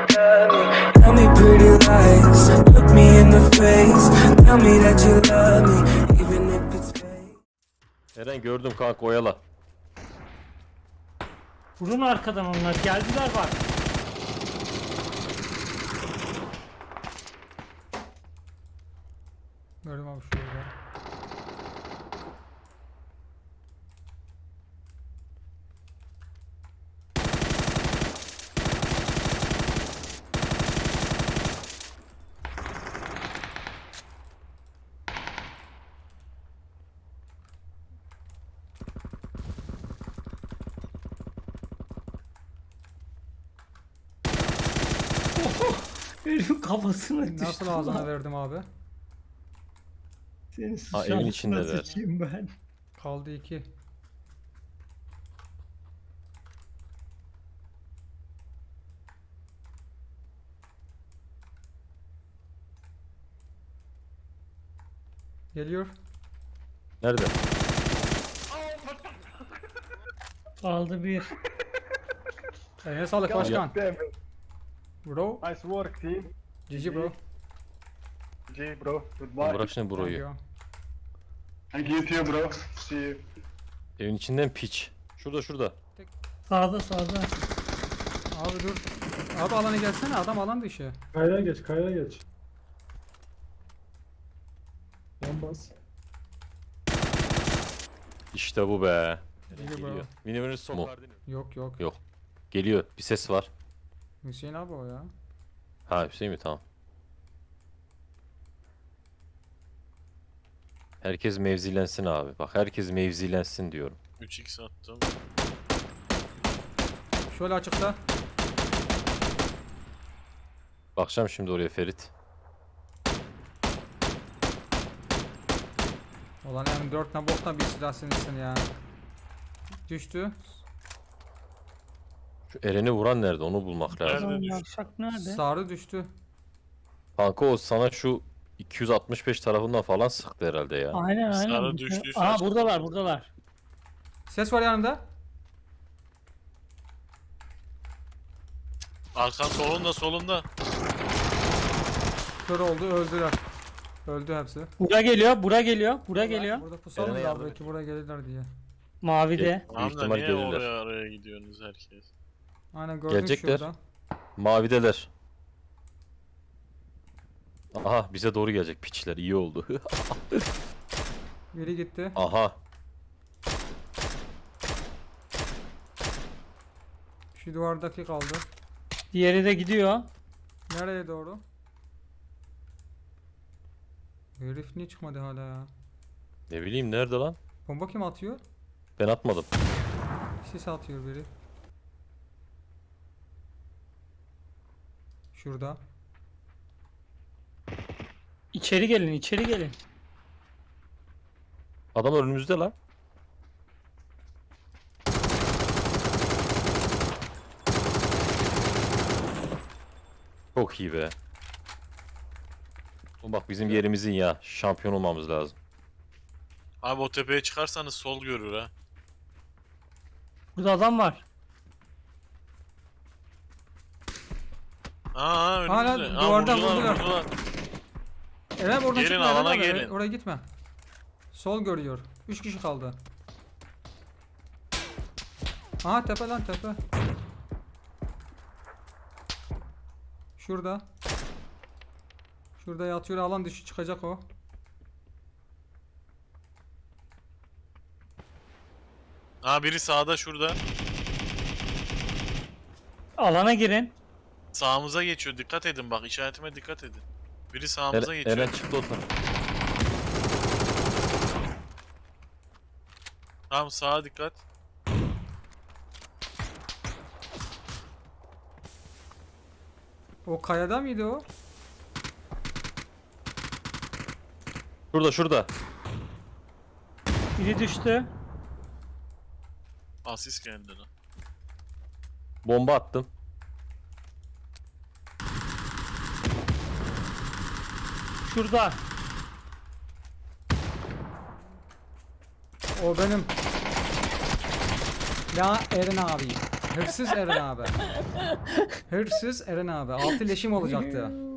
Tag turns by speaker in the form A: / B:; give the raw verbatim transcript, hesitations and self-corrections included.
A: Tell me pretty lies, look me in the face. Tell me that you love me, even if it's fake.
B: Eren gördüm kanka, oyala.
C: Vurun arkadan onlar. Geldiler bak.
D: Gördüm abi şurada.
C: Herifin kafasına düştü.
D: Nasıl ağzına verdim abi?
C: Senin
B: Ha, evin
C: suçan
B: içindeler.
C: sıçayım ben.
D: Kaldı iki. Geliyor.
B: Nerede?
C: Aldı bir.
D: Eline sağlık başkan. Bro.
E: Nice work, team.
D: G G bro.
E: G, bro. Goodbye.
B: Bırak şimdi
D: Thank
B: burayı.
D: you.
E: Thank you too, bro. See you.
B: Evin içinden piç. Şurada şurada.
C: Sağda sağda.
D: Abi dur. Abi alana gelsene, adam alan dışı.
F: Kayaya geç, kayaya geç. Yan bas.
B: İşte bu be.
D: İyi bro.
B: Geliyor. Minimunuz son Mu? verdin mi?
D: Yok yok.
B: Yok. Geliyor. Bir ses var.
D: Hüseyin abi o ya.
B: Ha, Hüseyin mi? Tamam. Herkes mevzilensin abi. Bak, herkes mevzilensin diyorum.
G: üç x attım.
D: Şöyle açıkta.
B: Bakacağım şimdi oraya Ferit.
D: Ulan M dört ne boktan bir silah seninsin ya. Düştü.
B: Şu Eren'i vuran nerede? Onu bulmak lazım.
G: Nerede?
C: Lan yavşak nerede?
D: Sarı düştü.
B: Kanka o sana şu iki yüz altmış beş tarafından falan sıktı herhalde ya.
C: Aynen aynen.
G: Sarı düştüyse
C: Aa
G: açık.
C: buradalar buradalar.
D: Ses var yanında.
G: Arkan solunda solunda.
D: Kör oldu, öldüler. Öldü hepsi.
C: Bura geliyor bura geliyor bura geliyor.
D: Burada pusalım
B: Eren'e
D: da
B: yardım
D: belki
B: et.
D: buraya gelirler diye.
C: Mavide.
B: Büyük
G: Tamam da
B: ihtimal
G: niye
B: gelirler.
G: oraya araya gidiyorsunuz herkes?
D: Aynen gördüm
B: Gelecekler.
D: şurada.
B: Mavideler. Aha, bize doğru gelecek piçler. İyi oldu.
D: Biri gitti.
B: Aha.
D: Şu duvardaki kaldı.
C: Diğeri de gidiyor.
D: Nereye doğru? Herif niye çıkmadı hala ya?
B: Ne bileyim, nerede lan?
D: Bomba kim atıyor?
B: Ben atmadım.
D: Sis atıyor biri. Şurada.
C: İçeri gelin içeri gelin.
B: Adam önümüzde lan. Çok iyi be. Oğlum bak, bizim yerimizin ya. Şampiyon olmamız lazım.
G: Abi o tepeye çıkarsanız sol görür ha.
C: Burada adam var.
G: Aa önümüzde.
D: Hala
G: Aa,
D: duvardan
G: vurdular,
D: vurdular.
G: vurdular.
D: Eren oradan
G: Gelin,
D: çıkma Eren
G: alana
D: abi.
G: gelin.
D: Oraya gitme. Sol görüyor. Üç kişi kaldı. Aha tepe lan tepe. Şurada. Şurada yatıyor, alan dışı çıkacak o.
G: Aa biri sağda şurada.
C: Alana girin.
G: Sağımıza geçiyor. Dikkat edin bak, işaretime dikkat edin. Biri sağımıza
B: Eren,
G: geçiyor.
B: Eren çıktı o tarafa.
G: Tamam, sağa dikkat.
D: O kayada mıydı o?
B: Şurada şurada.
C: Biri düştü.
G: Asist geldi lan.
B: Bomba attım.
C: Şurada.
D: O benim. Ya Eren abi. Hırsız Eren abi. Hırsız Eren abi. Altı leşim olacaktı.